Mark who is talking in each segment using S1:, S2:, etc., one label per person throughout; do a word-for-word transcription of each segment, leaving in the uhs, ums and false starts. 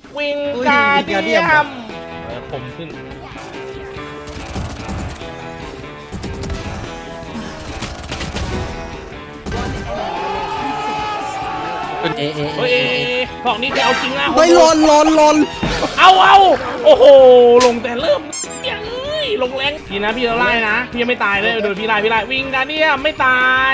S1: วิงการเดียมผมขึ้น
S2: เอเอเอ
S1: เฮ้ยพวกนี้จะเอาจริงนะ
S2: เฮ้ยลนลนลน
S1: เอาเอาโอ้โหลงแต่เริ่มเฮ้ยลงแรงพี่นะพี่จะไล่นะพี่ยังไม่ตายเลยเดี๋ยวพี่ไล่พี่ไล่วิงการเดียมไม่ตาย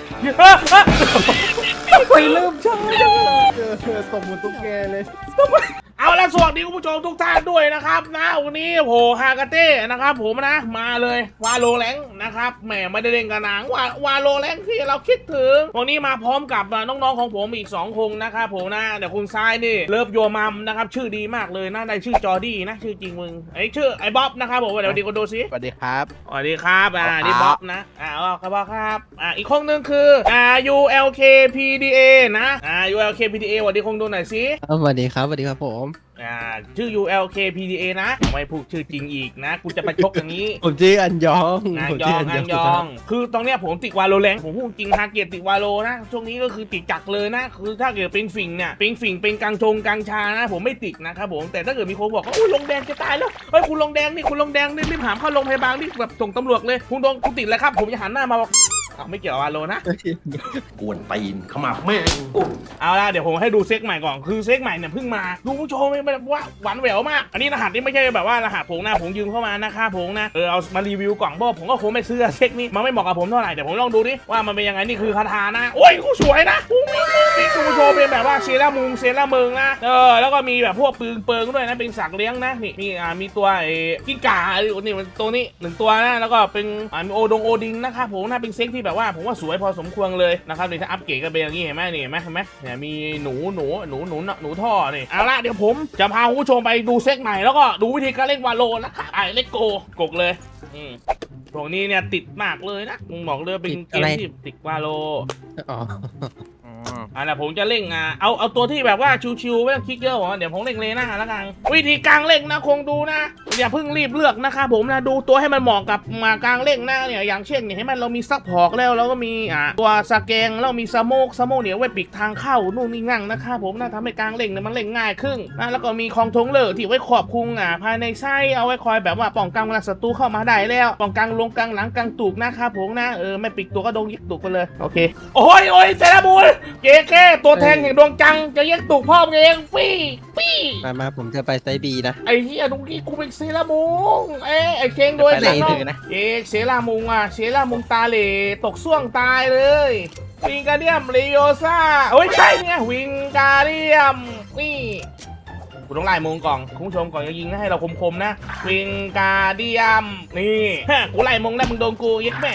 S1: ไปเริ่มช้าจัง
S2: เออตบมือตุ๊กแกเลย
S1: เอาละสวัสดีคุณผู้ชมทุกท่านด้วยนะครับนะวันนี้โหฮากาเต้นะครับผมนะมาเลยวาโลแรงนะครับแหมไม่ได้เล่นกันนานวาวาโลแรงที่เราคิดถึงวันนี้มาพร้อมกับน้องๆของผมอีกสองคนนะครับผมนะเดี๋ยวคุณทรายนี่เลิฟโยมัมนะครับชื่อดีมากเลยนะได้ชื่อจอร์ดี้นะชื่อจริงมึงไอชื่อไอบ๊อบนะครับผมเดี๋ยวดีก็ดูซิ
S2: สวัสดีครับ
S1: สวัสดีครับอ่านี่บ๊อบนะอ่าครับบ๊อบครับอ่าอีกคนนึงคืออ่า ยู แอล เค พี ดี เอ นะอ่า ยู แอล เค พี ดี เอ สวัสดีคงดูหน่อยสิ
S2: สวัสดีครับสวัสดีครับผม
S1: อ่าชื่อ ยู แอล เค พี ดี เอ นะไม่พูดชื่อจริงอีกนะกูจะไปชกอย่างนี้
S2: ผมชื่ออันยอง
S1: อันยองอันยองคือตอนเนี้ยผมติดวาโลแรงผมพูดจริงฮาเกียรติดวาโลนะช่วงนี้ก็คือติดจักเลยนะคือถ้าเกิดเป็นฝิ่งเนี่ยเป็นฝิ่งเป็นกังชงกังชานะผมไม่ติดนะครับผมแต่ถ้าเกิดมีคนบอกว่าอุ้ยลงแดงจะตายแล้วเฮ้ยคุณลงแดงนี่คุณลงแดงนี่รีบหามเข้าโรงพยาบาลนี่แบบส่งตำรวจเลยคุณโดนคุณติดแล้วครับผมจะหันหน้ามาบอกอ้าวไม่เกี่ยวกับวาโลนะ
S3: กวนตีนเข้ามาแม่ง
S1: เอาละเดี๋ยวผมให้ดูเซ็กใหม่ก่อนคือเซ็กใหม่เนี่ยเพิ่งมาดูผู้ชมไม่แบบว่าหวานแหววมากอันนี้รหัสนี่ไม่ใช่แบบว่ารหัสผงนะผมยืมเข้ามานะครับผมนะเออเอามารีวิวกล่องเพราะผมก็คงไม่ซื้อเซ็กนี้มันไม่เหมาะกับผมเท่าไหร่เดี๋ยวผมลองดูดิว่ามันเป็นยังไงนี่คือคาถานะโอ้ยกูสวยนะกูมีมีกูโชว์เป็นแบบว่าเซรามุงเซราเมิงนะเออแล้วก็มีแบบพวกปืนเปิงด้วยนะเป็นสัตว์เลี้ยงนะนี่มีอ่ามีตัวไอ้กิ้งก่านี่มันตัวนี้หนึ่งตัวนะแล้วก็เป็นอ่ามีโอดงโอดิงนะครับผมนะเป็นเซ็กที่แบบว่าผมว่าสวยพอสมควรเลยนะครับนี่ถ้าอัปเกรดก็เป็นอย่างนี้เห็นไหมนี่เห็นไหมเห็นไหมเนี่ยมีหนูหนูหนูหนูหนูท่อนี่เอาละเดี๋ยวผมจะพาคุณผู้ชมไปดูเซ็กใหม่แล้วก็ดูวิธีการเล่นวาโลนะครับไอ้เล็กโกกกเลยอืมพวกนี้เนี่ยติดมากเลยนะมึงบอกเลยเป็นเกมที่ติดวาโล
S2: อ๋อ
S1: อ่ะนะผมจะเล่งอ่ะเอาเอาตัวที่แบบว่าชิวๆไม่ต้องคิดเยอะหรอกเดี๋ยวผมเล่งเลยนะแล้วกันวิธีกลางเล่งนะคงดูนะอย่าเพิ่งรีบเลือกนะครับผมนะดูตัวให้มันเหมาะกับมากลางเล่งนะเนี่ยอย่างเช่นเนี่ยให้มันเรามีซักพอกแล้วแล้วก็มีอ่ะตัวสแกงแล้วมีสโมกสโมกเนี่ยไว้ปิดทางเข้านู่นนี่นั่งนะครับผมนะทำให้กลางเล่งเนี่ยมันเล่งง่ายขึ้นนะแล้วก็มีคองทงเลอที่ไว้ขอบคุงอ่ะภายในไส้เอาไว้คอยแบบว่าป้องกันเวลาศัตรูเข้ามาได้แล้วป้องกันลงกลางหลังกลางตูกนะครับผมนะเออไม่ปิดตัวก็โดนยิบตูกไปเลยโอเคโอ้ยโอ้ยเซราบูลเจ๊แค่ตัวแทงแห่งดวงจังจะแยกตุกพ่อเองปี้ปี้
S2: มามาผมจะไปไซบีนะ
S1: ไอ้เหี้ยตรงนี้กูเป็นเซรามุงเอ้ไอ้เชงด้วย
S2: ไปไหน
S1: เนา
S2: ถึงนะ
S1: เอ๊เซรามุงอ่ะเซรามุงตาเหล่ตกส่วงตายเลยวิงการเดียมเรโยซ่าโอ้ยใช่เนี่ยวิงการเดียมนี่กูต้องไล่มุงก่อนคุณผู้ชมก่อนจะยิงนะให้เราคมๆนะวิงการเดียมนี่ฮะกูไล่มุงแล้วมึงโดนกูยัดแม่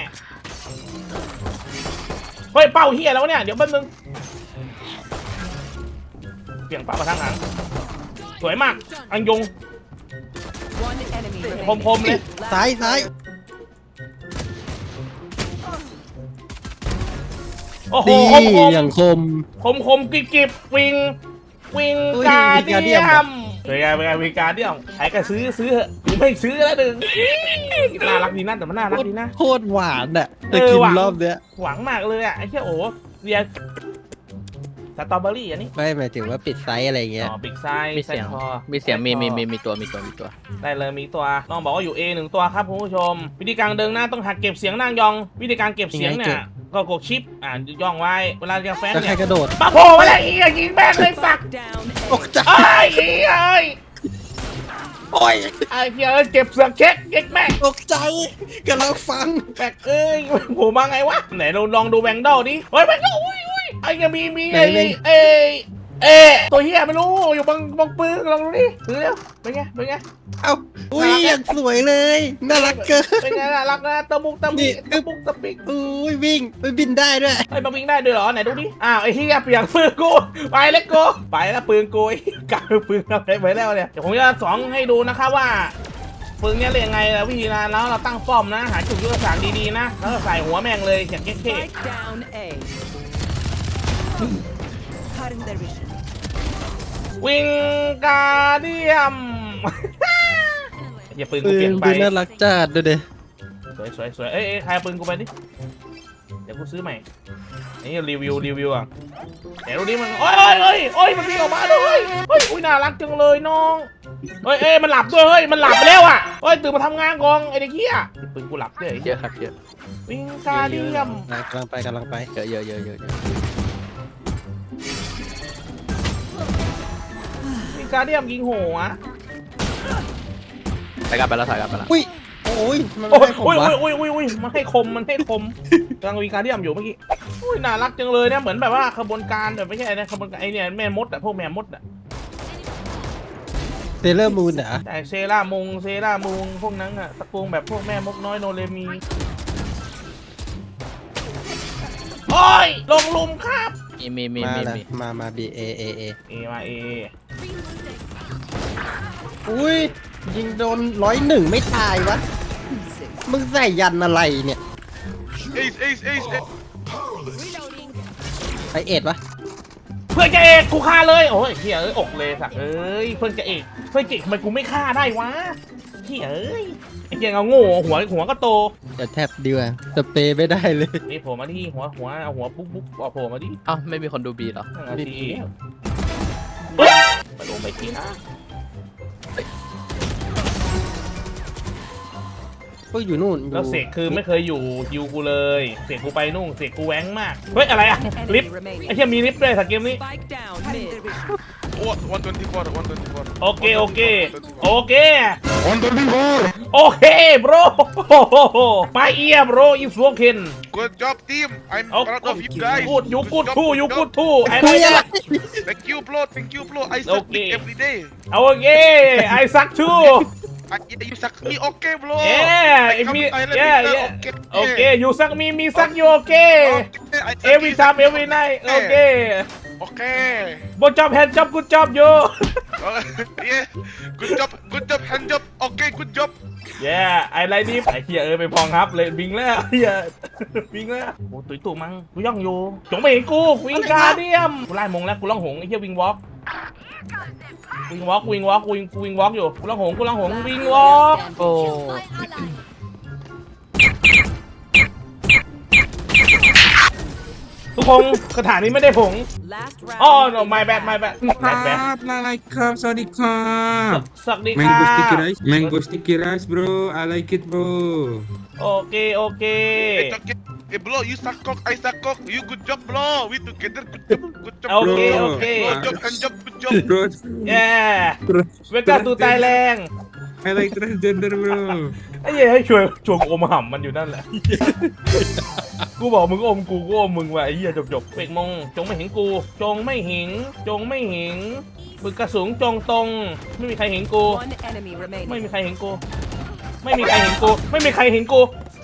S1: เฮ้ยเป้าเหี้ยแล้วเนี่ยเดี๋ยวแป๊บนึงเปลี่ยนป่ามาทางหลังสวยมากอังยงคมๆเลย
S2: ซ้ายซ้าย
S1: โอ้โห
S2: ดี
S1: คมๆ
S2: อย่างคม
S1: คมคมกริบกริบวิงวิง
S2: อุ้ย
S1: การ
S2: วิงการเดี
S1: เดีย
S2: ยม
S1: มเป็นไงเป็นไงวิงการเดียมใครก็ซื้อซื้อเหอะกูไม่ซื้อแล้วหนึ่งน่ารักดีนะแต่มันน่ารักดีนะ
S2: โคตรหวานอ่ะ
S1: เอ
S2: จะ
S1: อ
S2: กิน
S1: หวาน
S2: รอบเนี้ย
S1: หวังมากเลยอ่ะไอ้เชี่ยโอ้เรียสตรอเบอรี่อันนี้
S2: ไม่หมายถึงว่าปิดไซส์อะไรเงี้ย
S1: อ๋อบิ๊กไซส์
S4: มีเสียง
S1: ไซส์คอ
S4: มีเสียงมีมีมีมีตัวมีตัวมีตัว
S1: ได้เลยมีตัวต้องบอกว่าอยู่ A หนึ่งตัวครับคุณผู้ชม วิธีการเดินหน้าต้องหักเก็บเสียงนั่งยอง วิธีการเก็บเสียงเนี่ยก็กดชิปอ่าย่องไว้เวลาจะแฟน
S2: แล้วใคร
S1: เนี่ย
S2: กระโดด
S1: ปะโผล่มาแล้วอีกยิงแม่งเลยสัก
S2: ตกใจ
S1: ไอ้ไอ้ไอ้
S2: โอ้ย
S1: ไอ้เหี้ยเก็บเสือกเช็คเช็คแม่ง
S2: ตกใจกำลังฟัง
S1: แบกเอ้ยโผล่มาไงวะไหนเราลองดูแบงค์ดอลดิเฮ้ยแบงค์ดอลอุ้ยอุ้ยไอ้ยังมีมีไอ้เอ้เอ้ตัวเหี้ยไม่รู้อยู่บางบางปืนลองดูดิดูเร็วเป็นไงเป็นไง
S2: เอ้าอุ้ยอย่างสวยเลยน่ารักเกิน
S1: เป็นไงน่ารักนะตะมุกตะมิตะมุกตะปิก
S2: อุ้ยวิ่งไปบินได้ด้วย
S1: ไอ้ยมาวิ่งได้ด้วยเหรอไหนดูดิอ้าวไอ้เหี้ยเปลี่ยนปืนกูไปเล็กกูไปแล้วปืนกูไอ้กลายเป็นปืนอะไรไปแล้วเนี่ยเดี๋ยวผมจะสอนให้ดูนะครับว่าปืนเนี้ยเล่นยังไงแล้ววิธีนะแล้วเราตั้งป้อมนะหาจุดยุทธศาสตร์ดีๆนะแล้วก็ใส่หัวแม่งเลยอย่างเท่
S5: Strike down A. Cutting their vision.
S1: ๆวิงการเดียม อย่าปืน
S2: ปื
S1: กูเปลี่ย
S2: น
S1: นไป
S2: ปืนน่ารักจัดดูดิ
S1: สวยสวยสวยเอ้ยเอ้ยใครเอาปืนกูไปดิดี๋ยวกูซื้อใหม่นี่รีวิวรีวิวอ่ะเดี๋ยวดูดิมันโอ้ยโอ้ยโอ้ยโอ้ยมันวิ่งออกมาด้วยเฮ้ยอุ้ยน่ารักจังเลยน้องเฮ้ยเอ้ยมันหลับด้วยเฮ้ยมันหลับไปแล้วอ่ะเฮ้ยตื่นมาทำงานกองไอ้เด็กเหี้ยปืนกูหลับด้วย
S4: เยอะครับเยอะ
S1: วิงการเดียม
S2: กำลังไปกำลังไป
S4: เยอะเยอะเยอะเยอะเยอะ
S1: วิงการเดียมยิงหัว
S4: ไปกันไปแล้วถ่ายกันไปแล้ว
S2: อุ้ยโอ้ยมัน
S1: โอ้
S2: ไม่
S1: ย
S2: ให้ผม
S1: โอ้ยว
S2: ะ
S1: โอ้ยโอ้ยโอ้ยมันให้คมมันให้คมกำลังวิงการเดียมอยู่เมื่อกี้อุ้ยน่ารักจังเลยเนี่ยเหมือนแบบว่าขบวนการแบบไม่ใช่นะขบวนการไอเนี่ยแม่มดอะพวกแม่มดอะ
S2: เซเลอร์มูนเหรอ
S1: แต่เซรามุงเซรามุงพวกนั้นอะตระกูลแบบพวกแม่มดน้อยโนเรมีโอ้ยลงลุมครับ
S4: มีมีมี
S2: มา
S4: มี
S2: ละ
S4: มี
S2: มามา B A A A
S1: เอมาเอ
S2: อุ้ยยิงโดนร้อยหนึ่งไม่ตายวะมึงใส่ยันอะไรเนี่ย
S6: Ace, ace, ace, ace.
S2: ไอเอ็ดวะ
S1: เพื่อนจะเอกกูฆ่าเลยโอ้ยเฮียเอ้ยอกเลยสักเอ้ยเพื่อนจะเอกเพื่อนจะเอกทำไมกูไม่ฆ่าได้วะเฮียเอ้ยไอ้เฮียเอาโง่หัวหัวก็โต
S2: จะแทบดีกว่าสเปรย์ไม่ได้เลย
S1: นี่โผล่มาที่หัวหัวเอาหัวปุ๊บปุ๊บเอาโผล่มาดิ
S4: เอ้าไม่มีคนดูบีเหรอ
S1: นั่นน่ะสิเฮ้ยมาลงไปกินนะ
S2: ก็อยู่นู่นอยู่
S1: แล้วเสกคือไม่เคยอยู่ยูกูเลยเสกกูไปนู่นเสกกูแว้งมากเฮ้ยอะไรอะลิฟต์ไอ้เฮียมีลิฟต์ด้วยสักเกมนี้
S5: Spike down mid.
S6: What? one twenty-four, one twenty-four.
S1: โอเคโอเคโอเค
S6: one twenty-four.
S1: โอเค bro my ear bro is broken
S6: Good job, team. I'm
S1: Oh,
S6: proud of you
S1: good
S6: guys.
S1: good you good
S6: job,
S1: too you
S6: job.
S1: good too I
S2: คุย
S1: like
S2: อะไร
S1: that
S6: Thank you, bro. Thank you, bro. I suck
S1: Okay.
S6: dick every day.
S1: โอเค I suck too
S6: I, you suck me, okay, bro.
S1: yeah
S6: I come
S1: me
S6: to Thailand
S1: yeah
S6: later,
S1: yeah
S6: okay.
S1: okay you suck me me suck you okay
S6: Okay, I suck
S1: every
S6: you,
S1: time
S6: suck
S1: every
S6: me,
S1: night
S6: okay.
S1: okay
S6: Okay.
S1: good job hand job good job you
S6: Uh, yeah. Good job, good job, hand job. Okay, good job.
S1: yeah I like this ไอ้เฮียเออไปพองครับเลยบิงแล้วเฮียบิงแล้วโอ้ตุ๋ยตู่มังกูย่องอยู่จงไม่เห็นกูวิงการเดียมกูไล่มงแล้วกูล่องหงไอ้เฮียวิงวอล์กวิงวอล์กวิงวอล์กวิงกูวิงวอล์กอยู่กูล่องหงกูล่องหงวิงวอล์ก
S4: โอ้
S1: ทุกคนคาถานี้ไม่ได้ผง
S5: Last round.
S1: อ๋อ no my bad my bad my bad
S7: I like crab, sorry crab.
S1: สวัสดีค่ะ
S7: Mango sticky rice, mango sticky rice, bro. I like it, bro.
S1: โอเคโอเค
S6: It's okay. Hey, bro, you suck cock, I suck cock. You good job, bro. We together, good job, good job,
S1: โอ
S6: bro.
S1: เคโอเค
S6: Good job, hand job, good job.
S7: Bro,
S1: yeah เวกาตูไตแรง
S7: I like transgender, bro.
S1: ไอ้เหี้ยให้ช่วยชวนอมห่ำมันอยู่นั่นแหละ กูบอกมึงอมกูกูอมมึงว่ะไอ้เหี้ยจบจบเวกมงจงไม่เห็นกู จงไม่เห็นจงไม่เห็นมึงกระสุนจงตรง ไม่มีใครเห็นกู
S5: One enemy
S1: ไม่
S5: remaining.
S1: มีใครเห็นกู ไม่มีใครเห็นกู ไม่มีใครเห็นกู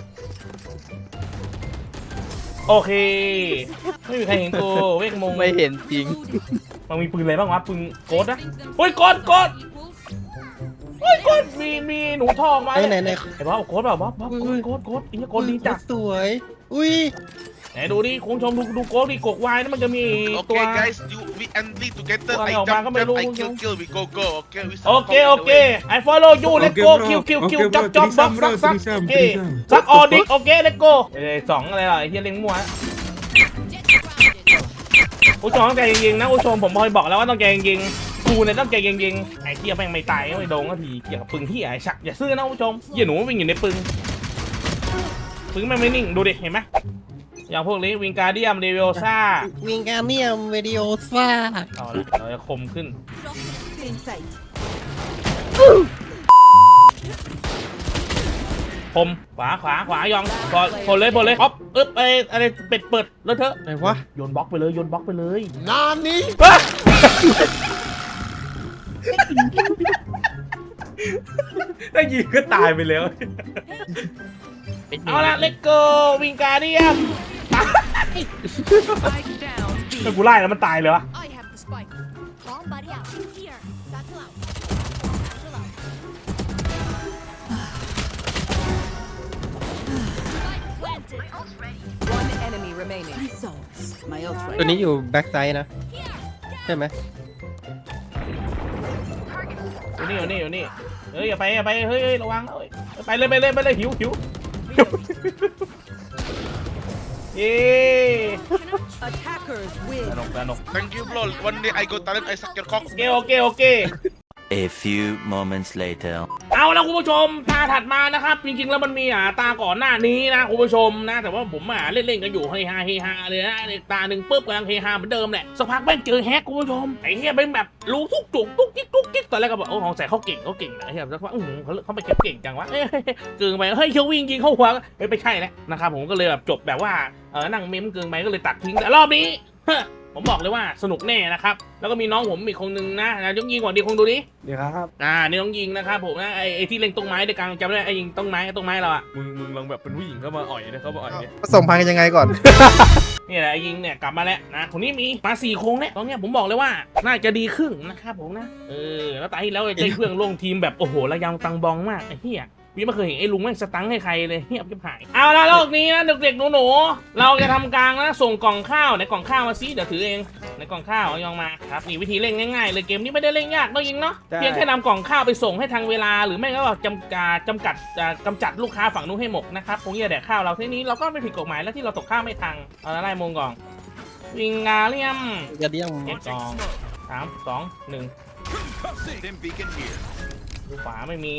S1: โอเค ไม่มีใครเห็นกู เวกมง
S4: ไม่เห็นจริง
S1: มันมีปืนอะไรบ้างวะปืนโกดนะเฮ้ยโกดโกดเฮ้ยโกดมีมีหนูทองมา
S2: ไหนไหนไหน
S1: ไอ้บ้าโกดเปล่าบ้าบ้าโกดโกดโกดไอ้เหี้ยโกดดีจัด
S2: สวย อุ้ย
S1: ไหนดูดิคุณผู้ชมดูดูโกดดิกกวายนี่มันจะมีตัว
S6: Okay, guys, you we entry together.
S1: Wala,
S6: I
S1: wala
S6: jump,
S1: ka may
S6: jump, I
S1: lulong
S6: kill,
S1: yung-
S6: kill. We go, go. Okay, we
S1: โอ
S6: suck
S1: เค
S6: cock
S1: โอ
S6: all the
S1: เค
S6: way.
S1: I follow you let's
S7: Okay,
S1: go
S7: bro.
S1: kill kill kill
S7: Okay,
S1: จับ
S7: bro.
S1: จับบัก
S7: Threesome,
S1: ซัก
S7: bro.
S1: ซัก
S7: Threesome,
S1: โอเค
S7: threesome.
S1: ซักออดิกโอเค let's go เอ้ยสองอะไรล่ะไอ้เหี้ยเล็งมั่วผู้ชมต้องใจเย็นๆนะผู้ชมผมพอยบอกแล้วว่าต้องใจเย็นๆกูเนี่ยต้องใจเย็นๆไอ้เหี้ยแม่งไม่ตายไม่โดนก็ทีเกี่ยวกับปึงที่ไอ้ชักอย่าซื่อนะผู้ชมเหี้ยหนูวิ่งอยู่ในปึงปึงแม่งไม่นิ่งดูดิเห็นไหมอย่างพวกนี้วิงการเดียมเรเวลซ่า
S2: วิงการเนียมวิดีโอซ่า
S1: เอาละเราจะคมขึ้น
S5: In sight.
S1: คมขวาขวาขวายองพอพอเลยพอเลยอ๊อฟอึ๊บไออะไรเป็ดเปิดแล้วเถอะ
S2: ไหนวะ
S1: โยนบล็อกไปเลยโยนบล็อกไปเลย
S2: นานนี้
S1: ว้าได้ยิงก็ตายไปแล้ว เอาละเลตโกวิงการเดียม
S5: Spike down.
S1: ถ้ากูไล่แล้วมันตายเลยวะ
S8: I have the spike. Bomb buddy out. Here. Satchel out. Satchel out. Spike planted.
S5: One enemy remaining. Results. My ult
S2: ตัวนี้อยู่แบ็กไซด์นะ ใช่ไหม
S1: อยู่นี่อยู่นี่อยู่นี่เฮ้ยอย่าไปอย่าไปเฮ้ยเฮ้ยระวังเฮ้ยไปเลยไปเลยไปเลยหิวหิวหิวเย้
S5: Attackers
S1: ส
S5: win.
S1: นุกสนุก
S6: Thank you, bro. One day I go talent, I suck your cock.
S1: โอเคโอเคโอเค
S9: A few moments later.
S1: เอาละคุณผู้ชมตาถัดมานะครับจริงๆแล้วมันมีอ่าตาก่อนหน้านี้นะคุณผู้ชมนะแต่ว่าผมอ่าเล่นๆกันอยู่เฮฮาเฮฮาเลยนะตาหนึ่งปุ๊บกำลังเฮฮาเหมือนเดิมแหละสักพักแม่งเจอแฮกคุณผู้ชมไอ้เหี้ยเป็นแบบรู้ทุกจุกทุกกิ๊กทุกกิ๊กตอนแรกก็บอกโอ้ของใส่เขาเก่งเขาเก่งนะไอ้เหี้ยสักพักอื้อหือเขาเขาไปเก็บเก่งจังวะเอ้ยเกินไปเฮ้ยเขาวิ่งยิงเข้าหัวเฮ้ยไม่ใช่แล้วนะครับผมก็เลยแบบจบแบบว่าเออนั่งเมมเกินไปก็เลยตัดทิ้งแต่รอบนี้ผมบอกเลยว่าสนุกแน่นะครับแล้วก็มีน้องผมอีกคนนึงนะนะยกยิงก่อนดีคงดูดิ
S2: เดี๋ยวครับ
S1: อ่านี่ต้องยิงนะครับผมนะไอ้ไอ้ที่เล็งต้นไม้ในกลางจำได้ไอ้ยิงต้นไม้ต้นไม้เราอะมึงมึงลองแบบเป็นผู้หญิงเข้ามาอ่อยเนี่ยเขามาอ่อยเนี่ย
S2: ผสมพันธุ์กันยังไงก่อน
S1: นี่แหละไอ้ยิงเนี่ยกลับมาแล้วนะคนนี้มีมาสี่โค้งเนี่ยตอนเนี้ยผมบอกเลยว่าน่าจะดีขึ้นนะครับผมนะเออแล้วตาที่แล้วไอ้เจ้เครื่องลงทีมแบบโอ้โหระยำตังบองมากไอ้เหี้ยพี่ไม่เคยเห็นไอ้ลุงแม่งสตังค์ให้ใครเลยเฮียบจะหายเอาละโลกนี้นะเด็กๆหนูๆเราจะทำกลางนะส่งกล่องข้าวในกล่องข้าวมาซิเดี๋ยวถือเองในกล่องข้าวเอายองมาครับนี่วิธีเล่นง่ายๆเลยเกมนี้ไม่ได้เล่นยากต้องยิงเนาะเพียงแค่นำกล่องข้าวไปส่งให้ทางเวลาหรือไม่ก็จำกัดจำกัดกำจัดลูกค้าฝั่งนู้นให้หมดนะครับคงจะแดกข้าวเราทีนี้เราก็ไม่ผิดกฎหมายแล้วที่เราตกข้าวไม่ทังเอาละไล่มงกล่องวิงกาเลียม
S2: กระเดี่ยง
S1: เก็บกล่องสามสองหนึ่งดูขวาไม่มี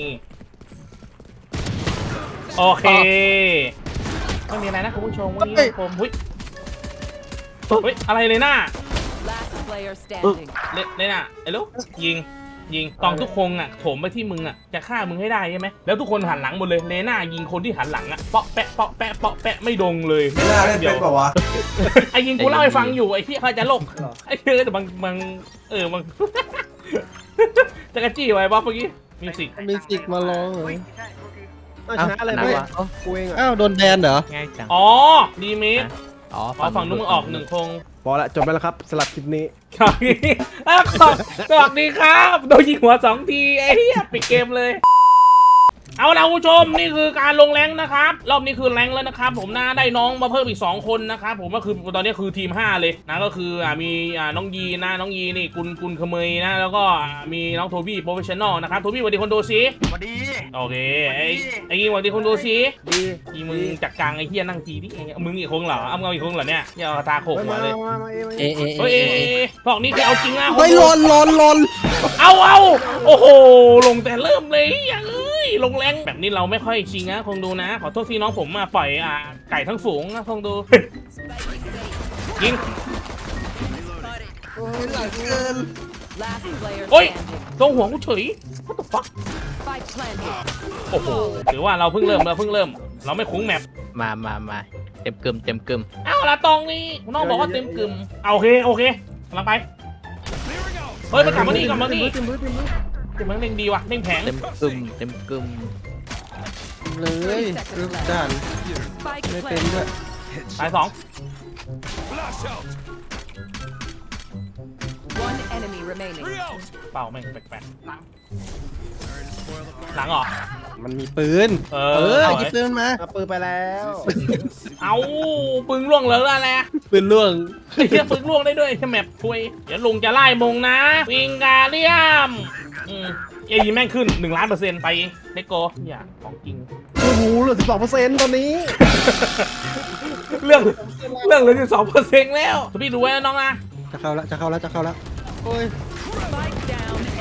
S1: โอเคไม่มีอะไรนะคุณผู้ชมวันนี้ผมหุ้ยเฮ้ยอะไรเลยหน้า
S5: Last player standing.
S1: เลยเลยหน้าไอ้ลูกยิงยิงกองทุกคงอ่ะโถมไปที่มึงอ่ะจะฆ่ามึงให้ได้ใช่ไหมแล้วทุกคนหันหลังหมดเลยเลน่ายิงคนที่หันหลังอ่ะเปาะแปะเปาะแปะเปาะแปะไม่ดงเลยเดี๋ยวไอ้ยิงกูเล่าให้ฟังอยู่ไอ้ที่เขาจะโลกไอ้เธอแต่บางบางเออบางจะกระจี้ไว้บ๊อบเมื่อกี้มิวสิก
S2: มีสิกมาลองเหรอ
S4: ชนะอะไรวะ
S2: กูเองอ้าวโดนแบนเหรอ
S4: ง่ายจัง
S1: อ๋อดีเมค
S4: อ๋อ
S1: อ๋อฝั่งนู้นมึงออกหนึ่งคง
S2: พอละจบไปแล้วครับสลับคลิปนี้
S1: สวัสดีอ้าวขอบสวัสดีครับโดนยิงหัวสองทีไอ้เหี้ยปิดเกมเลยเอาละคุณผู้ชมนี่คือการลงแรงนะครับรอบนี้คือแรงแล้วนะครับผมนะได้น้องมาเพิ่มอีกสองคนนะครับผมก็คือตอนนี้คือทีมห้าเลยนะก็คืออ่ามีอ่าน้องยีนะน้องยีนี่กุลกุลเขมยนะแล้วก็มีน้องโทบี้โปรเฟชชั่นอลนะครับโทบี้สวัสดีคนดูซิ
S3: สวัสดี
S1: โอเคไอ้ไอ้ยีสวัสดีคนดูซิดียีมึงจัดกลางไอ้เหี้ยนั่งจีดิมึงอีกคงเหรออ้ำเงาอีกคงเหรอเนี่ยเนี่ยเอาตาโขกหัวเลย
S2: เอเอ
S1: เฮ้ยพวกนี้คือเอาจริงนะ
S2: เฮ้ยลนลนลน
S1: เอาเอาโอ้โหลงแต่เริ่มเลยอย่างเอ้ยลงแรงแบบนี้เราไม่ค่อยชิงนะคงดูนะขอโทษที่น้องผมมาปล่อยอ่าไก่ทั้งฝูงนะคงดูยิง
S5: Last player
S1: โอ้ย
S5: standing.
S1: ตรงหัวกูเฉย what the fuck
S5: Spike planted.
S1: โอ้โหถือว่าเราเพิ่งเริ่มเราเพิ่งเริ่ม เราไม่คุ้งแมป
S4: มามามาเต็มกึมเต็มกึม
S1: เอาละตรงนี้น้องบอกว่าเต็มกึ่มเอาโอเคโอเคกำลังไปเฮ้ยมันกลับมานี่กลับมานี่เต็มมันเล่งดีว่ะเล่งแผง
S4: เต็มกึมเต็มกึม
S2: เลยรูปด่าน
S5: Spike
S2: ไม่เป็นด้วย
S5: planted.
S1: ตายสอง
S5: One enemy remaining.
S1: เปล่าแม่งแปลกๆหลังเหรอ
S2: มันมีปืน
S1: เอ
S2: เอ
S1: อ
S2: อ
S1: เอา
S2: หยิบ
S1: ไว้
S2: ปืนมาเอาปืนไปแล้ว
S1: เอาปึงล่วงเหลืออะไร
S2: ปืนล่วง
S1: ไอ้เหี้ยปึงล่วงได้ด้วยแค่แมปคุยเดี๋ยวลุงจะไล่มงนะวิงกาเลียมอืมเอ้ยแม่งขึ้นหนึ่งล้านเปอร์เซ็นต์ไปเด็กโกอย่าของจริง
S2: โอ้โหเหลือสิบสองเปอร์เซ็นต์ตอนนี้
S1: เรื่องเรื่องเหลือสิบสองเปอร์เซ็นต์แล้วพี่ดูไว้นะน้องนะ
S2: จะเข้าแล้วจะเข้าแล้วจะเข้าแล้วโอ้ย
S5: Spike down A.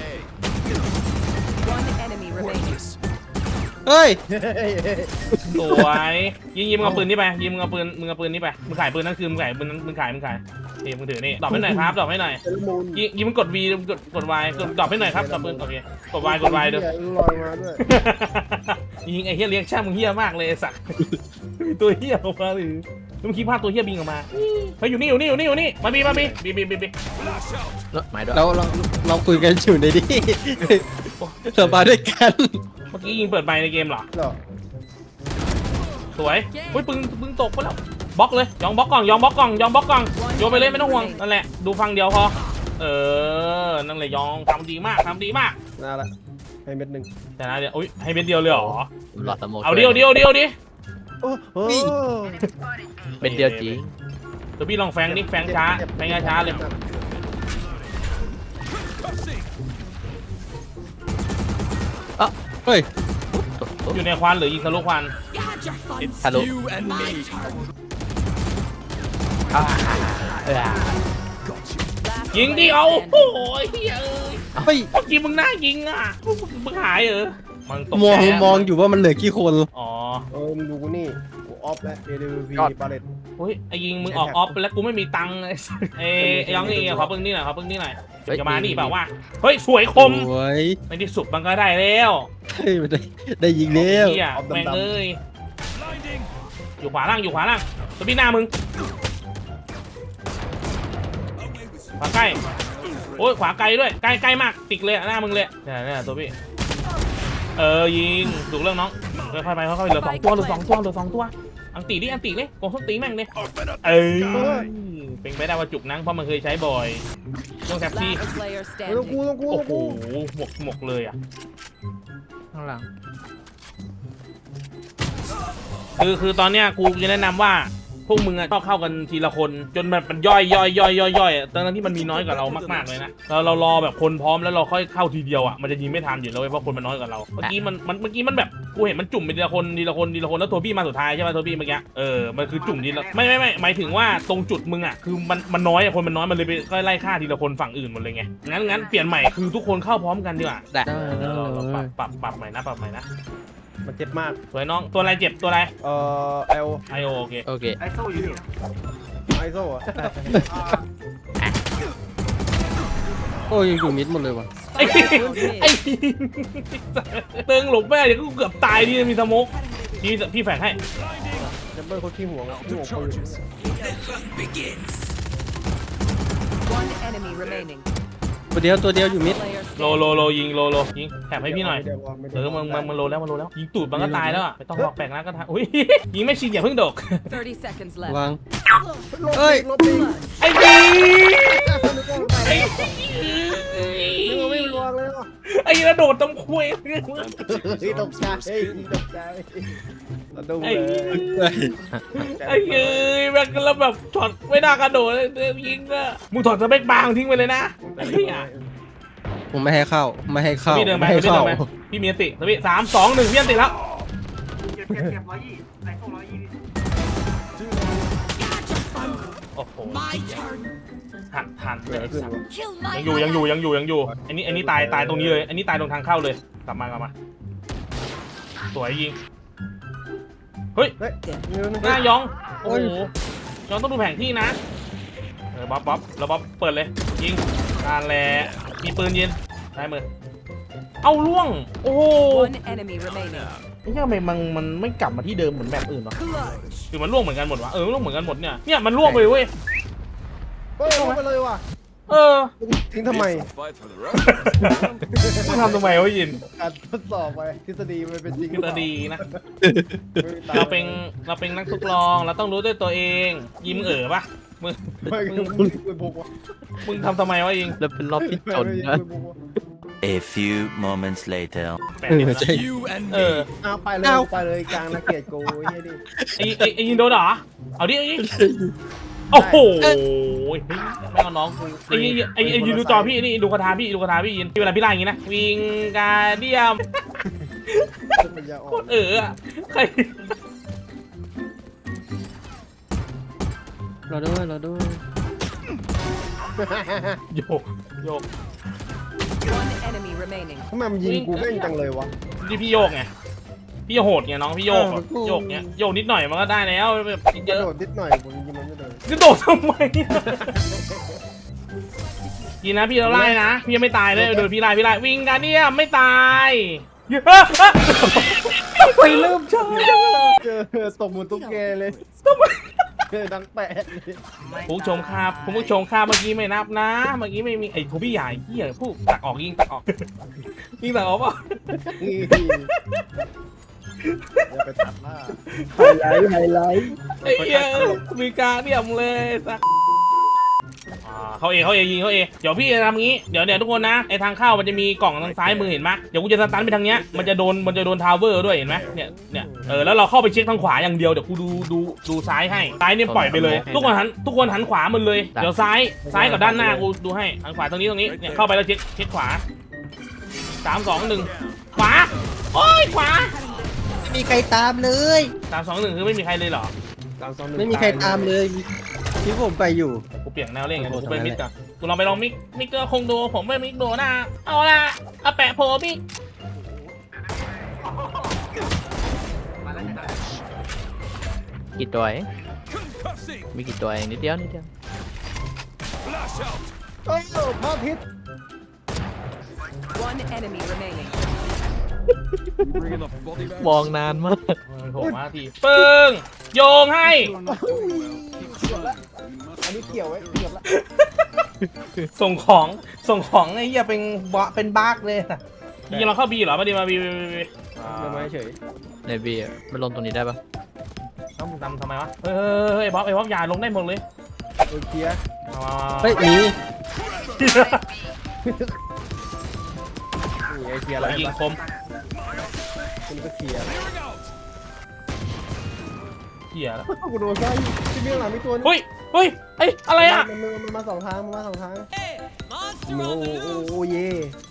S5: One enemy remaining.
S2: เฮ้ย
S1: สวยยิงยิงมึงเอาปืนนี่ไปยิงมึงเอาปืนมึงเอาปืนนี่ไปมึงขายปืนนั่นคือมึงขายปืนนั้นมึงขายมึงขายนี่มึงถือนี่ดรอปให้หน่อยครับดรอปให้หน่อยยิงยิงมึงกด V กดกด Y กดดรอปให้หน่อยครับดรอปปืนโอเคกด Y กด Y เด้อ
S2: ลอยมาด้วย
S1: ยิงไอ้เฮียเลี้ยงช่างมึงเฮียมากเลยไอ้สัตว์มีตัวเฮียออกมาหรือมึงคิดภาพตัวเฮียบินออกมาเฮ้ยอยู่นี่อยู่นี่อยู่นี่อยู่นี่มาบีมาบีบีบีบีบี
S4: เนอะหมายด้วย
S2: เราเราเราคุยกันอยู่ในนี้เรามาด้วยกัน
S1: เมื่อกี้ยิงเปิดไมค์ในเกมเหรอสวยเฮ้ยปึงปึงตกไปแล้วบล็อกเลยยองบล็อกกล่องยองบล็อกกล่องยองบล็อกกล่องโยนไปเลยไม่ต้องห่วงนั่นแหละดูฟังเดียวพอเออนั่นแหละยองทำดีมากทำดีมาก
S2: น่าละให้เม็ดหนึ่ง
S1: แต่นะเดี๋ยวอุ้ยให้เม็ดเดียวเลยเหรอ
S4: หลอดสโมก
S1: เอาเดียวเดียวเดียวดิ
S2: โอ้โห
S4: เป็นเดียวจริง
S1: เดี๋ยวพี่ลองแฟงนิแฟงช้าแฟงช้าเลย
S2: เฮ้ย
S1: อยู่ในควันหรือยิงทะลุควัน
S4: ทะลุอ่าเออ
S1: ยิงดิเอาโอ้ยเฮ้ยเอ้ย
S2: เฮ้ย
S1: เมื่อกี้มึงน่ายิงอ่ะมึงมึงหายเหรอมันตก
S2: มอง
S1: ใจะ
S2: มองอยู่ว่ามันเหลือกี่คน
S1: อ๋อ
S2: เออมึงดูกูนี่กูออฟแล้ว เอ ดี วี บาเลต
S1: เฮ้ยไอ้ยิงมึงออกออฟไปแล้วกูไม่มีตังค์ไอ้สัสเอ้ยไอ้ยองนี่ขอเพิ่งนี่หน่อยขอเพิ่งนี่หน่อยจะมานี่เปล่าวะเฮ้ยสวยคม
S2: โอ้ย
S1: ในที่สุดมันก็ได้แล้ว
S2: เฮ้ยมันได้ได้ยิงแล้ว
S1: เฮียแม่งเอ้ยอยู่ขวาล่างอยู่ขวาล่างตัวพี่หน้ามึงขวาใกล้โอ้ยขวาไกลด้วยใกล้ใกล้มากติดเลยอะหน้ามึงเลยเนี่ยเนี่ยตัวพี่เออยิงถูกเรื่องน้องค่อยๆไปค่อยๆเหลือสองตัวเหลือสองตัวเหลือสองตัวอังตีดิอังตีเลยโกงส้นตีแม่งเลยเอ้ยเป็นไปได้ว่าจุกนังเพราะมันเคยใช้บ่อยช่วงแท็บซี่
S5: Last player
S2: ต้องกู
S5: standing.
S2: ต้องกู
S1: โอ้
S2: ต้อง
S1: โห
S2: กู
S1: หมกหมกเลยอ่ะ
S4: ข้างหลัง
S1: คือคือตอนเนี้ยกูจะแนะนำว่าพวกมึงอะชอบเข้ากันทีละคนจนแบบมันย่อยย่อยย่อยย่อยย่อยตอนนั้นที่มันมีน้อยกว่าเรามากๆเลยนะเราเรารอแบบคนพร้อมแล้วเราค่อยเข้าทีเดียวอ่ะมันจะยิงไม่ทันอยู่แล้วเว้ยเพราะคนมันน้อยกว่าเราเมื่อกี้มันมันเมื่อกี้มันแบบกูเห็นมันจุ่มไปทีละคนทีละคนทีละคนแล้วตัวพี่มาสุดท้ายใช่ไหมตัวพี่เมื่อกี้เออมันคือจุ่มทีละไม่ไม่ไม่หมายถึงว่าตรงจุดมึงอ่ะคือมันมันน้อยอะคนมันน้อยมันเลยไปก็ไล่ฆ่าทีละคนฝั่งอื่นหมดเลยไงงั้นงั้นเปลี่ยนใหม่คือทุกคนเข้าพร้อมกันดีกว่า
S4: ได้
S1: เราเราเราปรับปรับปรับใหม่นะปรับใหม่นะ
S2: มันเจ็บมาก
S1: สวยน้องตัวอะไรเจ็บตัวอะไร
S2: เอ่อเอล
S1: ไอโอโอเค
S4: โอเค
S2: ไอโซ่อะโอ้ยอยู่มิดหมดเลยว่ะ
S1: ไอ้ไอ้เติงหลบแม่เดี๋ยวกูเกือบตายดิมีสโมกพี่พี่แฝงให้
S2: แชมเบอร์เขาขี้ห่วงอะขี้ห่วงปืน
S5: One enemy remaining.
S2: ตัวเดียวตัวเดียวอยู่มิด
S5: Player
S1: โล
S5: standing.
S1: โลโลยิงโลโลยิงแถมให้พี่หน่อย
S2: ไม่ได้วะไม่ได้
S1: เออมึงมึงมึงโลแล้วมึงโลแล้วยิงตูดมันก็ตายแล้วอ่ะไม่ต้องหลอกแปลงร่างก็ทำอุ้ยยิงไม่ชินอย่าเพิ่งโดก
S5: Thirty seconds
S2: วาง
S5: left.
S2: เฮ้ยลบดิ
S1: ไอ้ดีไอ้
S2: นึกว่าไม่วางเลยอ่ะ
S1: ไอ้ระโดดตำคุย
S2: เฮ้ยตกใจเฮ้ยตกใจระดุม
S1: ไอ้
S2: เลย
S1: ไอ้เอ้ยแม่งแล้วแบบถอดไม่น่ากระโดดยิงอะมึงถอดสเปคบางทิ้งไปเลยนะไอ้เหี้ย
S2: ผมไม่ให้เข้าไม่ให้เข้า
S1: พี่เดินไป
S2: ไม่ให้
S1: พี่เดิ
S2: เข้าน
S1: ไปพี่มีอันติพี่สามสองหนึ่งพี่อันติแล้วโอ้โหหักทันเลย
S8: Kill
S1: ยัง
S8: my
S1: อยู่ยังอยู่ยังอยู่ยังอยู่อันนี้อันนี้ตายตายตรงนี้เลยอันนี้ตายตรงทางเข้าเลยกลับมากลับมาสวยยิงเฮ้ย
S2: เฮ้ย
S1: หน้ายองโอ้โหยองต้องดูแผนที่นะเออบ๊อบบ๊อบแล้วบ๊อบเปิดเลยยิงการแหละมีปืนยิงได้มือเอาล่วงโอ้โห
S5: One enemy remaining.
S1: ไม่ใช่ทำไมมันมันไม่กลับมาที่เดิมเหมือนแบบอื่นวะ
S5: Clutch.
S1: คือมันล่วงเหมือนกันหมดวะเออมันล่วงเหมือนกันหมดเนี่ยเนี่ยมันล่วงไปเว้ย
S2: เฮ้ยลงไปเลยว่ะ
S1: เออ
S2: ทิ้งทำไม
S1: มึงทำทำไมวะยิน
S2: การทดสอบไปทฤษฎีมันเป็นจริง
S1: ทฤษฎีนะเราเป็นเราเป็นนักทดลองเราต้องรู้ด้วยตัวเองยิ้มเอ๋อปะมึง
S2: ไม่
S1: มึง
S2: มึงเป็นพวกวะ
S1: มึงทำทำไมวะยิง
S4: แล้วเป็นรอบที่จนนะ
S9: A few moments later.
S1: แปดสิบนะเออ
S2: เอาไปเลยไปเลยกลางนักเกียรติกูไอ้ดิ
S1: ไอ้ไอ้ไอ้ยิงโดนเหรอเอาดิเอาดิโอ้โหไม่เอาน้องกูไอ้ยิงไอ้ไอ้ยิงดูจอพี่นี่ดูคาถาพี่ดูคาถาพี่ยินที่เวลาพี่ไล่อย่างงี้นะวิงการเดียม
S2: ปัญญาอ่อ
S1: โคน ตรเอออะใคร
S2: รอด้วยรอด้วย
S1: โยกโยก
S5: One enemy remaining.
S2: ทำไมมันยิงกูเล่นจังเลยวะ
S1: นี่พี่โยกไงพี่โหดไงน้องพี่โยกอะโยกเนี้ยโยกนิดหน่อยมันก็ได้แล้วแบบ
S2: ก
S1: เย
S2: ระ
S1: อะ
S2: โดดนิดหน่อยผมยิงมันไม่โดน
S1: จะโดดทำไมยินนะพี่เราไล่นะพี่ยังไม่ตายเลยโดยพี่ไล่พี่ไล่วิ่งกันเนี่ยไม่ตายไปเริ่มช้า
S2: เจอตกมือตุ๊กแกเลยเจอดังแปะ
S1: คุณผู้ชมครับคุณผู้ชมครับเมื่อกี้ไม่นับนะเมื่อกี้ไม่มีไอ้ทูพี่ใหญ่เหี้ยพูดตักออกยิงตักออกยิงตักออกป่ะ
S2: นี่อย่าไปตัดหน้าไฮไลท์ไฮไลท์
S1: ไอ้เหี้ยมีการเดี่ยมเลยสักเขาเอเขาเอยิงเขาเอเดี๋ยวพี่จะทำงี้เดี๋ยวเนี่ยทุกคนนะไอทางเข้ามันจะมีกล่องทางซ้ายมือเห็นไหมเดี๋ยวกูจะสตันไปทางเนี้ยมันจะโดนมันจะโดนทาวเวอร์ด้วยเห็นไหมเนี่ยเนี่ยเออแล้วเราเข้าไปเช็คทางขวาอย่างเดียวเดี๋ยวกูดูดูดูซ้ายให้ซ้ายเนี่ยปล่อยไปเลย ทุกคนหันทุกคนหันขวาหมดเลยเดี๋ยวซ้ายซ้ายกับด้านหน้ากูดูให้หันขวาตรงนี้ตรงนี้เนี่ยเข้าไปแล้วเช็คเช็คขวาสามสองหนึ่งขวาโอ้ยขวา
S2: ไม่มีใครตามเลย
S1: สามสองหนึ่งคือไม่มีใครเลยเหรอ
S2: ไม่มีใครตามเลยที่ผมไปอยู่
S1: กูเปลี่ยนแนวเล่นไง
S2: โอ้โห
S1: กูไป
S2: ทำไม
S1: มิดก่อนกูลองไปลองมิกมิกเกอร์คงดูผมไม่มิกดูนะเอาละเอาแปะโผล่มิก
S4: กี่ตัวเองมีกี่ตัวเองนิดเดียวนิดเดียว
S2: โอ้พ่อพิษ
S5: One enemy remaining.
S4: มองนานมาก
S1: โผล่มาทีปึ้งโยงให้
S2: อันนี้เกี่ยวไว้เกี่ยวละ
S1: ส่งของส่งของ
S2: ไอ้เหี้ยเป็นบะเป็นบากเลยนะ
S1: ยิงเราเข้าบีเหรอมาดีมาบีบีบีบี
S2: ทำไมเฉย
S4: ในบีอะมันลงตรงนี้ได้ปะ
S1: เอ้ามึงทำทำไมวะเฮ้ยเฮ้ยเฮ้ยไอ้บ๊อบไอ้บ๊อบอย่าลงได้หมดเลย
S2: โอเคลียร์
S1: มามามา
S2: เฮ้ยหนีนี่ไอ้เคลียร์อะไร
S1: ยิง
S2: ปะ
S1: คม
S2: คุณก็เคลียร์
S1: เหี้ยแล้ว
S2: กูโดนใช่ที่เบี้ยหลังมีตัวนึง
S1: เฮ้ยเฮ้ยเอ้ยอะไรอ่ะ
S2: มันมันมันมาสองทางมันมาสองทางโอ้โหโอ้โหเย่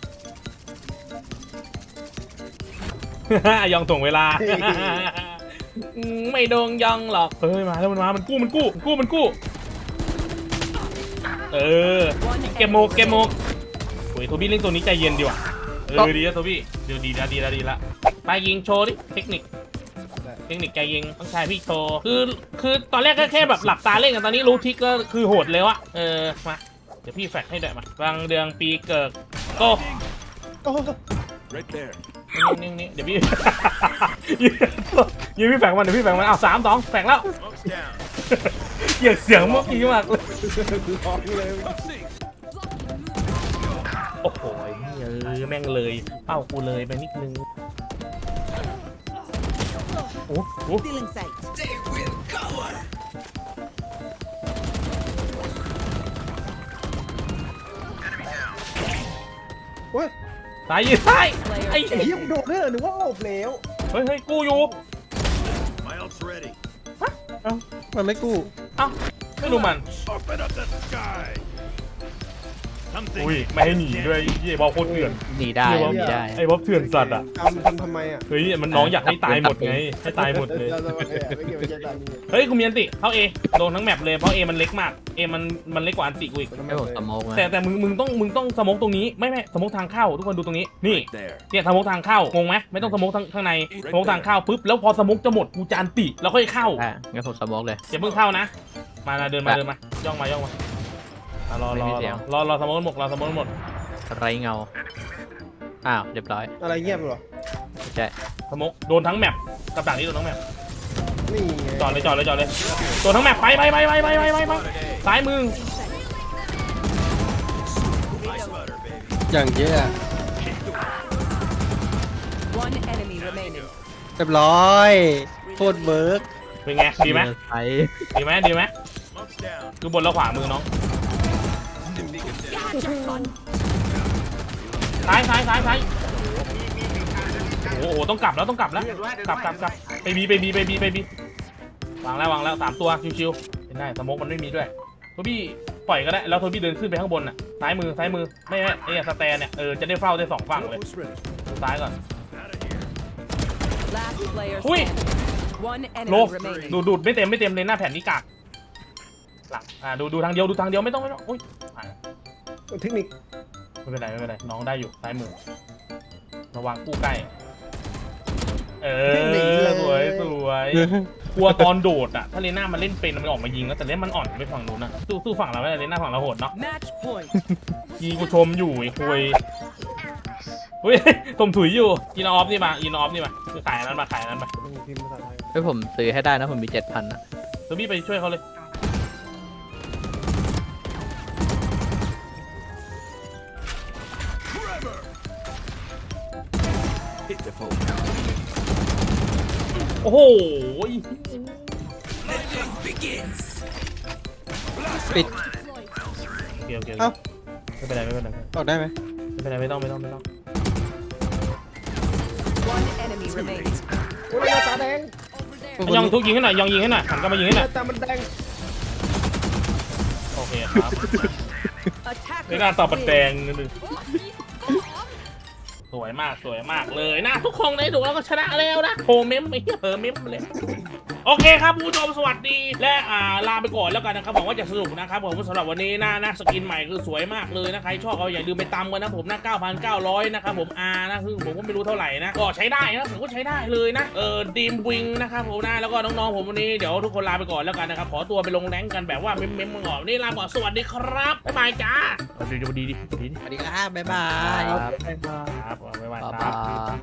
S1: ยองถ่วงเวลา อืมไม่โดงยองหรอกเฮ้ยมาแล้วมันมามันกู้มันกู้มันกู้มันกู้เออเกมโมกเกมโมกโอ้ยโทบี้เล่นตัวนี้ใจเย็นดีว่ะเออดีนะโทบี้เดี๋ยวดีละดีละดีละไปยิงโชว์ดิเทคนิคเทคนิคใจยิงต้องใช้พี่โชว์คือคือตอนแรกก็แค่แบบหลับตาเล่นกันตอนนี้รู้ทิกก็คือโหดเลยวะเออมาเดี๋ยวพี่แฟกให้ด้วยมาบางเดืองปีเกิดโก้
S2: โอ้โห
S1: นี่นี่เดี๋ยวพี่ ยืนพี่แฝงมันเดี๋ยวพี่แฝงมันเอาสามสองแฝงแล้วเกียดเสียงเมื่อกี้มากเลย
S2: ร้องเลย
S1: โอ้โหเออแม่งเลยเป้ากูเลยไปนิดนึงโอ้โห
S5: Stealing sight.
S2: เฮ้ย
S1: สายยืนซ้ายไอ้
S5: Player
S2: ไอ้เหี้ยมึงโดนด้วยเหรอหรือว่าโอบแล้ว
S1: เฮ้ยเฮ้ยกูอยู่
S2: มันไม่กู้
S1: เอ้าไม่รู้มันอุ้ยไม่ให้หนีด้วยไอ้บอลโคตรเถื่อน
S4: หนีได้หนีได้
S1: ไอ้บอลเถื่อนสัตว์อ่ะ
S2: ทำทำทำไมอ่ะ
S1: เฮ้ยมันน้องอยากให้ตายหมดไงให้ตายหมดเลย
S2: เราไม่เกี่ยวไม่เกี่ยวไม่เกี่ยวกันนี่
S1: เฮ้ยกูมีอันติเข้าเอโดนทั้งแมปเลยเพราะเอมันเล็กมากเอมันมันเล็กกว่าอันติกูอีก
S4: ให้ผมสโมกไหม
S1: แต่แต่มึงมึงต้องมึงต้องสโมกตรงนี้ไม่ไม่สโมกทางเข้าทุกคนดูตรงนี้นี่เนี่ยสโมกทางเข้างงไหมไม่ต้องสโมกทางข้างในสโมกทางเข้าปุ๊บแล้วพอสโมกจะหมดกูจะอันติแล้วค่อยเข้า
S4: อ่ะงั้นผมสโมกเลย
S1: อย่าเพิ่งเข้านะมานะเดินมาเดินมาย่องมาย่องมาอ่ะรอรอ
S4: ไม่มีเสี
S1: ร
S4: ย
S1: อง รอรอสโมกหมดรอสโมกหมด
S4: ไรเงาอ้าวเรียบร้อย
S2: อะไรเงียบเหรอ
S4: ใช่
S1: สโมกโดนทั้งแมปกับดักนี้โดนทั้งแมป
S2: นี่ไง
S1: จอดเลยจอดเลยจอดเลยโดนทั้งแมปไปไปไปไปไปไปไปไปซ้ายมือ
S2: อย่างเยอะ
S5: One enemy remaining.
S2: เรียบร้อยโคตรเบิร์ก
S1: เป็นไงดีไหม
S4: ไป
S1: ดีไหมดีไหมคือบนแล้วขวามือน้องซ้ายซ้ายซ้ายซ้ายโอ้โหต้องกลับแล้วต้องกลับแล้วกลับกลับกลับไปบีไปบีไปบีไปบีวางแล้ววางแล้วสามตัวชิวๆเห็นได้สโมกมันไม่มีด้วยโทบี้ปล่อยก็ได้แล้วโทบี้เดินขึ้นไปข้างบนน่ะซ้ายมือซ้ายมือไม่ไม่ไอ้สแตนเนี่ยเออจะได้เฝ้าได้สองฝั่งเลยดูซ้ายก่อน
S5: Last player
S1: Ui.
S5: standing. One
S1: โล
S5: enemy remaining.
S1: ดูดูดไม่เต็มไม่เต็มเลยหน้าแผ่นนี้กากหลังอ่าดูดูทางเดียวดูทางเดียวไม่ต้องไม่ต้องอุ้ยอ่ะ
S2: เทคนิค
S1: ไม่เป็นไรไม่เป็นไรน้องได้อยู่ซ้ายมือระวังกู้ใกล้เออสวยสวยกลัวตอนโดดอ่ะถ้าเลน่ามันเล่นเป็นมันออกมายิงแล้วแต่เล่นมันอ่อนไปฝั่งนู้นนะสู้สู้ฝั่งเราไม่ได้เลน่าฝั่งเราโหดเนาะ
S5: Match point.
S1: ยิงกูชมอยู่ไอ้คุยเฮ้ยตมถุยอยู่อินออฟนี่มาอินออฟนี่มาคือขายอันนั้นมาขายอันนั้นมา
S2: พิมพ์ภาษาไทย
S4: เฮ้ยผมซื้อให้ได้นะผมมีเจ็ดพันอะ
S1: เดี๋ยวพี่ไปช่วยเขาเลยโอ้โห
S2: ปิด
S1: เกี่ยวเกี่ยว
S2: เอ้า
S1: ไม่เป็นไรไม่เป็นไร
S2: ออกได้ไหม
S1: ไม่เป็นไรไม่ต้องไม่ต้องไม่ต้อง
S5: One enemy remaining.
S2: โอ้ยตาแดง
S1: ยองทุกยิงให้หน่อยยองยิงให้หน่อยหันกลับมายิงให้หน่อย
S2: ตามันแดง
S1: โอเคครับ
S5: Attacker
S1: ไม่น่าตอบปัดแด
S5: win.
S1: งนิดนึงสวยมากสวยมากเลยนะทุกคนได้ดูแล้วก็ชนะแล้วนะโฮเมมไม่เหี้ยเออเมมเลยโอเคครับผู้ชมสวัสดีและอ่าลาไปก่อนแล้วกันนะครับหวังว่าจะสนุกนะครับผมสำหรับวันนี้นะนะสกินใหม่คือสวยมากเลยนะใครชอบเอาอย่าลืมไปตามกันนะผมนะ เก้าพันเก้าร้อย นะครับผมอานะคือผมก็ไม่รู้เท่าไหร่นะก็ใช้ได้นะผมก็ใช้ได้เลยนะเออดีมวิงนะครับผมนะแล้วก็น้องๆผมวันนี้เดี๋ยวทุกคนลาไปก่อนแล้วกันนะครับขอตัวไปลงแรงกันแบบว่าเม้มๆมึงออกนี่ลาก่อนสวัสดีครับบ๊ายบายจ้าเดี๋ยวดีดีดี
S2: สวัสดีครับบ๊ายบาย
S1: ครับบ๊ายบายครับ
S4: บ๊ายบาย